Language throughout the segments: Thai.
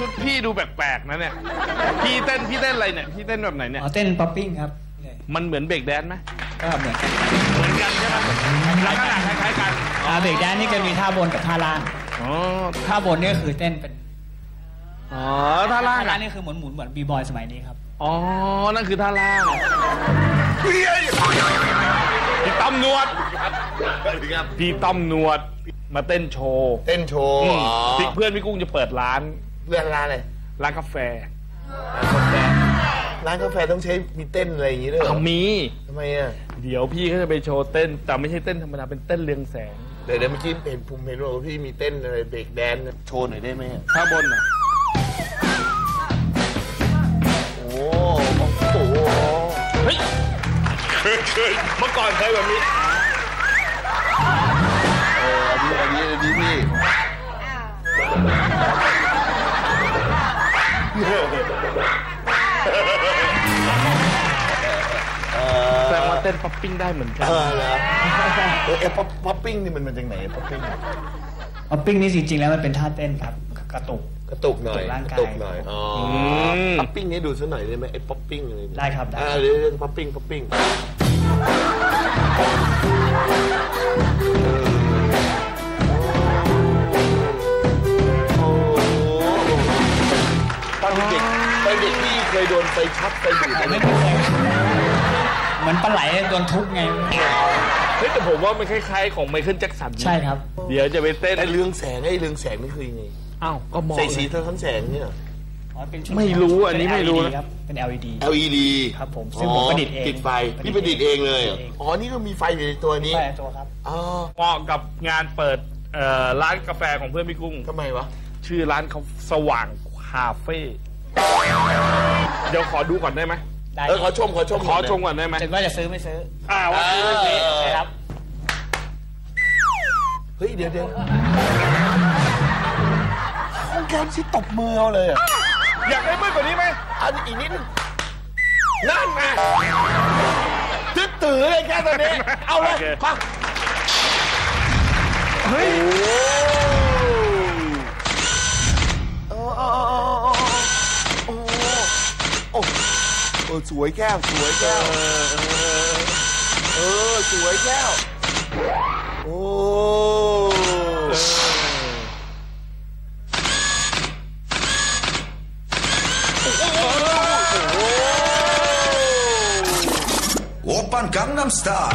ชุดพี่ดูแปลกๆนะเนี่ยพี่เต้นอะไรเนี่ยพี่เต้นแบบไหนเนี่ยเต้นป๊อปปิ้งครับมันเหมือนเบรกแดนซ์ไหมก็เหมือนกันใช่ไหมลักษณะคล้ายๆกันเบรกแดนซ์นี่จะมีท่าบนกับท่าล่างท่าบนนี่คือเต้นเป็นท่าล่างนี่คือหมุนเหมือนบีบอยสมัยนี้ครับนั่นคือท่าล่างพี่ต้อมนวดพี่ต้อมนวดมาเต้นโชว์เพื่อนพี่กุ้งจะเปิดร้านอะไรร้านกาแฟต้องใช้มีเต้นอะไรอย่างงี้ด้วยมีทำไมอ่ะเดี๋ยวพี่เขาจะไปโชว์เต้นแต่ไม่ใช่เต้นธรรมดาเป็นเต้นเรืองแสงเดี๋ยวเมื่อกี้เห็นภูมิเห็นว่าพี่มีเต้นอะไรเบรกแดนซ์โชว์หน่อยได้ไหมท่าบนอ่ะโอ้โหเฮ้ยเคยเมื่อก่อนเคยแบบนี้อันนี้พี่แสดงว่าเต้นป๊อปปิ้งได้เหมือนกันแล้วป๊อปปิ้งนี่มันจากไหนป๊อปปิ้งนี่จริงๆแล้วมันเป็นท่าเต้นครับกระตุกหน่อยร่างกายป๊อปปิ้งนี้ดูซะหน่อยได้ไหมไอ้ป๊อปปิ้งอะไรได้ครับได้เรื่องป๊อปปิ้งตอนเด็กพี่เคยโดนไฟช็อตไฟดูดไหมไม่เคยเหมือนปลาไหลโดนทุบไงแต่ผมว่ามันคล้ายๆของไมเคิลแจ็คสันใช่ครับเดี๋ยวจะไปเต้นไอ้เรืองแสงนี่คือยังไงก็มองใส่สีเท่าทั้งแสงเนี่ยไม่รู้อันนี้ไม่รู้ครับเป็น LED ครับผมซึ่งผมประดิษฐ์เองติดไฟพี่ประดิษฐ์เองเลยนี่ก็มีไฟอยู่ในตัวนี้ไฟตัวครับเหมาะกับงานเปิดร้านกาแฟของเพื่อนพี่กุ้งทำไมวะชื่อร้านเขาสว่างคาเฟ่เดี๋ยวขอดูก่อนได้ไหมขอชมก่อนได้ไหมถึงว่าจะซื้อไม่ซื้อว่าซื้อไม่ซื้อครับเฮ้ยเดี๋ยวห้องแก้มที่ตบมือเอาเลยอยากได้มืดกว่านี้ไหมอีกนิดนึงนั่นไงตื้อเลยแค่ตอนนี้เอาเลยฟังเฮ้ยสวยแก้วสวยแก้วโอ้ 오빤 강남스타일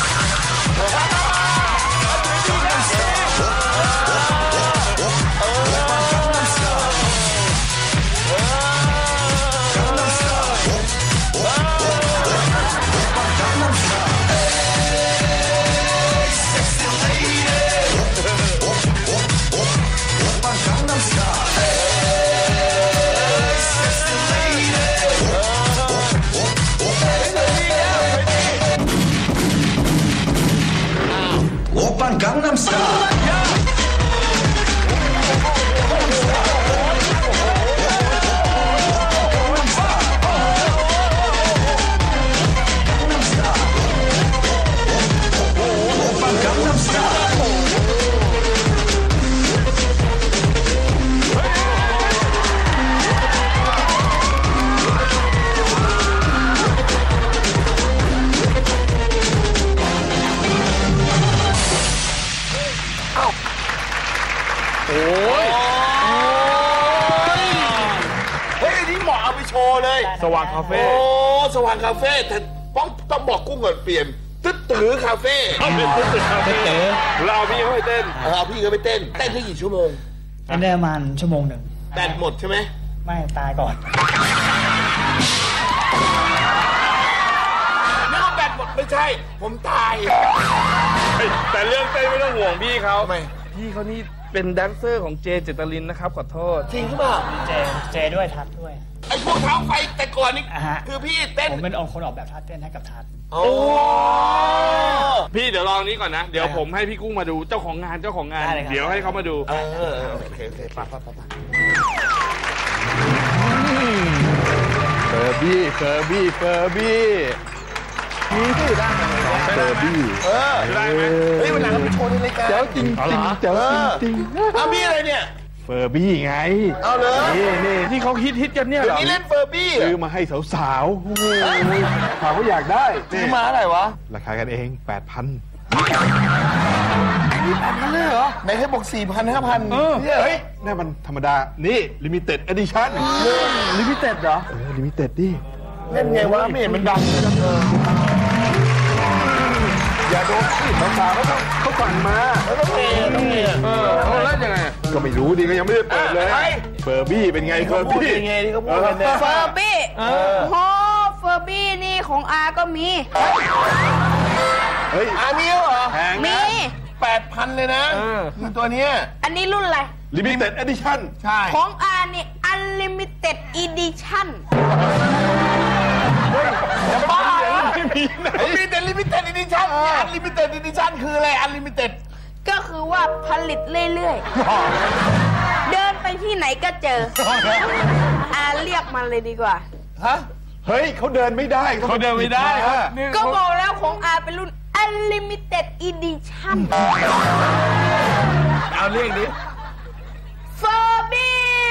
오빤 강남스타일 สว่างคาเฟ่สว่างคาเฟ่แต่ต้องบอกกุ้งก่อนเปลี่ยนตื้อคาเฟ่เป็นตื้อคาเฟ่เราพี่เขาไปเต้นพี่เขาไปเต้นได้กี่ชั่วโมงได้ประมาณชั่วโมงหนึ่งแบตหมดใช่ไหมไม่ตายก่อนนึกว่าแบตหมดไม่ใช่ผมตายแต่เรื่องเต้นไม่ต้องห่วงพี่เขาทำไมพี่เขานี่เป็นแดนเซอร์ของเจเจตลินนะครับขอโทษจริงหรือเปล่าเจด้วยทัดด้วยไอ้พวกเท้าไฟแต่ก่อนนี่คือพี่เต้นผมเป็นคนออกแบบท่าเต้นให้กับทัดพี่เดี๋ยวลองนี้ก่อนนะเดี๋ยวผมให้พี่กุ้งมาดูเจ้าของงานเดี๋ยวให้เขามาดูโอเคไปเฟอร์บี้นี่ได้ไหมเฟอร์บี้ได้ไหมเฮ้ยวันหลังเราไปโชว์ในรายการเจ้าจริงพี่อะไรเนี่ยเฟอร์บี้ไงเอาเลยนี่ที่เขาฮิตกันเนี่ยเหรอนี่เล่นเฟอร์บี้เหรซื้ออมาให้สาวๆโอ้โหสาวก็อยากได้ซื้อมาเท่าไหร่วะราคากันเอง 8,000 8,000เลยเหรอไหนให้บอก 4,000 5,000เนี่ยเฮ้ยนี่มันธรรมดา นี่ Limited Edition ลิมิเต็ดเหรอ Limited ดิเล่นไงวะไม่เห็นมันดังเลยอย่าโดนสิสาวๆเขาสั่งมาแล้วต้องเมียแล้วยังไงก็ไม่รู้ดิก็ยังไม่ได้เปิดเลยเฟอร์บี้เป็นไงเฟอร์บี้ยังไงที่เขาพูดกันเนี่ยเฟอร์บี้โอ้เฟอร์บี้นี่ของอาก็มีเฮ้ยอามิวเหรอแพงมีนะ 8,000 เลยนะคือตัวเนี้ยอันนี้รุ่นอะไร Limited Edition ใช่ของอานี่ Unlimited Edition จะบ้าเหรอไม่มีไหนมีแต่ลิมิเต็ดอีดิชั่นอันลิมิเต็ดอีดิชั่นคืออะไรอันลิมิเต็ดก็คือว่าผลิตเรื่อยๆ เดินไปที่ไหนก็เจอ อาเรียกมันเลยดีกว่าฮะเฮ้ยเขาเดินไม่ได้เขาเดินไม่ได้ก็บอกแล้วของอาเป็นรุ่น Unlimited Edition เอาเรียกดิเฟอร์บี้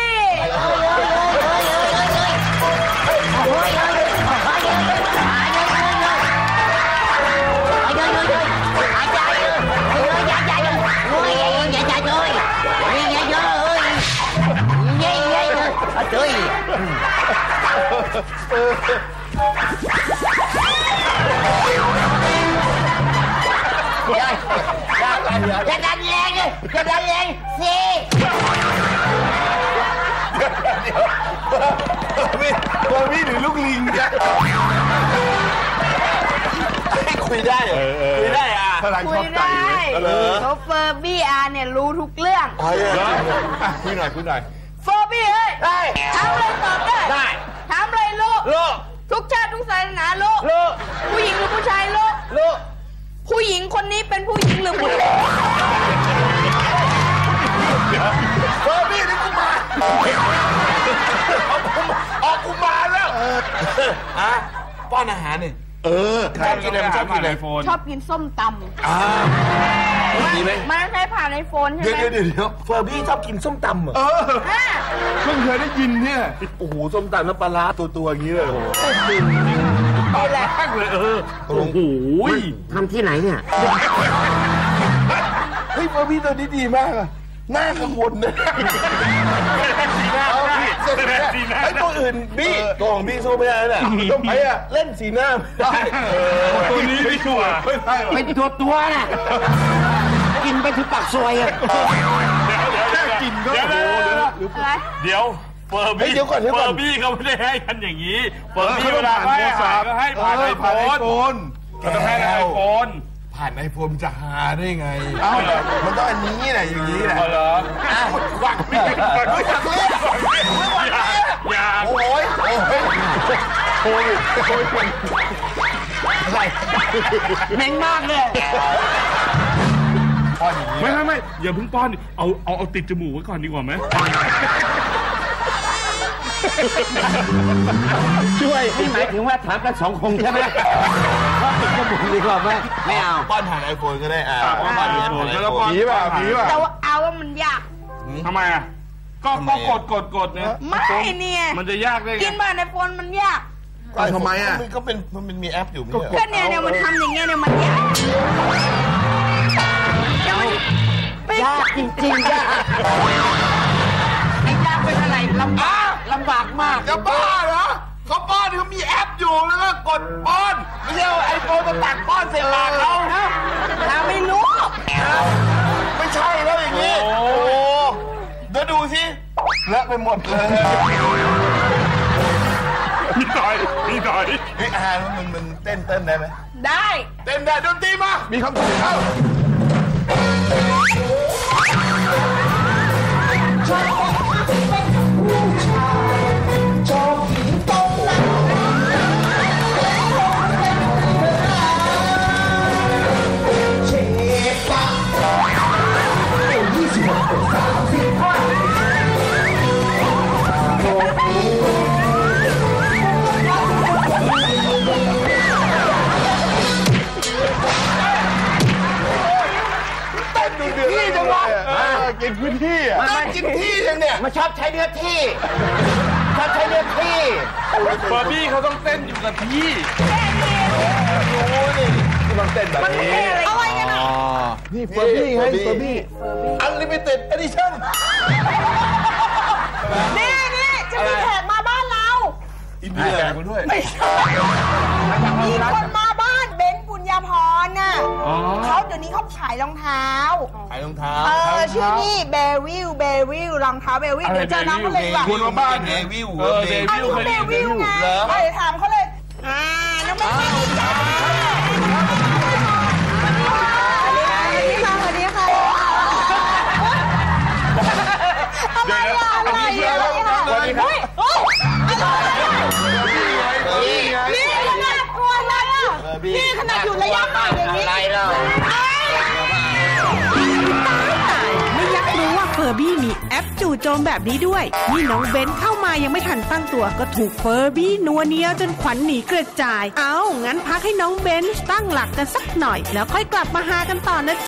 จะดันแรงเลยจะดันแรงสิเฟอร์บี้หรือลูกลิงเนี่ยคุยได้เหรอคุยได้อ่ะพลังคุชอย บใจได้เลยเขาเฟอร์บี้อาเนี่ยรู้ทุกเรื่องคุยหน่อยเฟอร์บี้เฮ้ยถามอะไรตอบได้ได้ถามอะไรรู้โลทุกชาติทุกศาสนารู้โลผู้หญิงหรือผู้ชายรู้โลผู้หญิงคนนี้เป็นผู้หญิงหรือผู้ชายเฟอร์บี้นี่กูมาออกกูมาแล้วฮะป้อนอาหารนี่ชอบกินอะไรมันชอบกินอะไรชอบกินส้มตำดีไหมมันใช้ผ่านไอโฟนใช่เดี๋ยวไหมเดี๋ยวเฟอร์บี้ชอบกินส้มตำเหรออ่าเพิ่งเคยได้ยินเนี่ยโอ้โหส้มตำน้ำปลาร้าตัวอย่างนี้เลยโอ้โหนี่แหละแป้งเลยโอ้โหทำที่ไหนเนี่ยเฮ้ยเฟอร์บี้ตัวนี้ดีมากอะหน้ากังวลนะไอ้ตัวอื่นบี้ตัวของบี้สู้ไม่ได้น่ะทำไมอะเล่นสีหน้าไม่ได้ตัวนี้ไม่ชัวร์ไปตัวน่ะกินไปถึงปากซอยอ่ะแค่กินก็โอ้โหอะไรเดี๋ยวเฟอร์บี้เดี๋ยวก่อนเฟอร์บี้เขาไม่ได้ให้กันอย่างนี้เฟอร์บี้เวลาให้อาหารก็ให้ผ่านไอโฟนนเขาต้องให้ไอโฟนผ่านไอโฟนจะหาได้ไงเอ้ามันต้องอันนี้แหละอย่างนี้แหละเหรอหวังไม่อยากเล่นอย่าโอ้ยโอ้ยแม่งมากเลยไม่อย่าเพิ่งป้อนเอาติดจมูกไว้ก่อนดีกว่าไหมช่วยนี่หมายถึงว่าถามกัน2 คนใช่ไหมก็ติดจมูกดีกว่าไหมไม่เอาป้อนผ่านไอโฟนก็ได้ป้อนผ่านไอโฟนผีป่ะผีป่ะแต่ว่าเอาว่ามันยากทำไมอ่ะก็กดเนี่ยไม่เนี่ยมันจะยากได้กินไงผ่านไอโฟนมันยากทำไมอ่ะก็เป็นมันมีแอปอยู่ไม่ใช่ก็เนี่ยมันทำอย่างเงี้ยเนี่ยมันยากเดี๋ยวมันไปยากจริงๆยากไอ้ยากเป็นอะไรลำบากมากจะบ้าเหรอเขาป้อนเขามีแอปอยู่แล้วก็กดป้อนไม่ใช่ไอโฟนมาตักป้อนเสร็จปากเขาเราไม่รู้ไม่ใช่แล้วอย่างนี้โอ้เดี๋ยวดูสิเลอะไปหมดเลยพี่ต่อยเฮ้ยมันเต้นได้ไหมได้เต้นได้ดนตรีมามีคำสั่งเข้าเต้นดูเดือดนี่จังหวะเกินพื้นที่อ่ะได้กินที่ยังเนี่ยมันชอบใช้เนื้อที่ชอบใช้เนื้อที่เฟอร์บี้เขาต้องเต้นอยู่กับที่ต้องเต้นแบบนี้อะไรกันอ่ะนี่เฟอร์บี้ไงเฟอร์บี้ Unlimited Edition นี่จะมีแขกมาบ้านเราอินเดียมาด้วยมีคนมาบ้านเบนซ์ปุญญาพรน่ะเขาเดี๋ยวนี้เขาขายรองเท้าขายรองเท้าชื่อนี่เบวิลรองเท้าเบวิลเดี๋ยวเจอน้องเขาเลยดีกว่าคุณมาบ้านเดวิลเออเดวิลเบวิลไงเดี๋ยวถามเขาเลยน้องเบนซ์จ้าสวัสดีค่ะอะไรอะสวัสดีครับนี่ขนาดกลัวเลยอ่ะนี่ขนาดอยู่ระยะห่างอย่างนี้อะไรเราไม่อยากรู้ว่าเฟอร์บี้มีแอปจู่โจมแบบนี้ด้วยนี่น้องเบนเข้ามายังไม่ทันตั้งตัวก็ถูกเฟอร์บี้นัวเนียจนขวัญหนีกระจายงั้นพักให้น้องเบนตั้งหลักกันสักหน่อยแล้วค่อยกลับมาหากันต่อนะ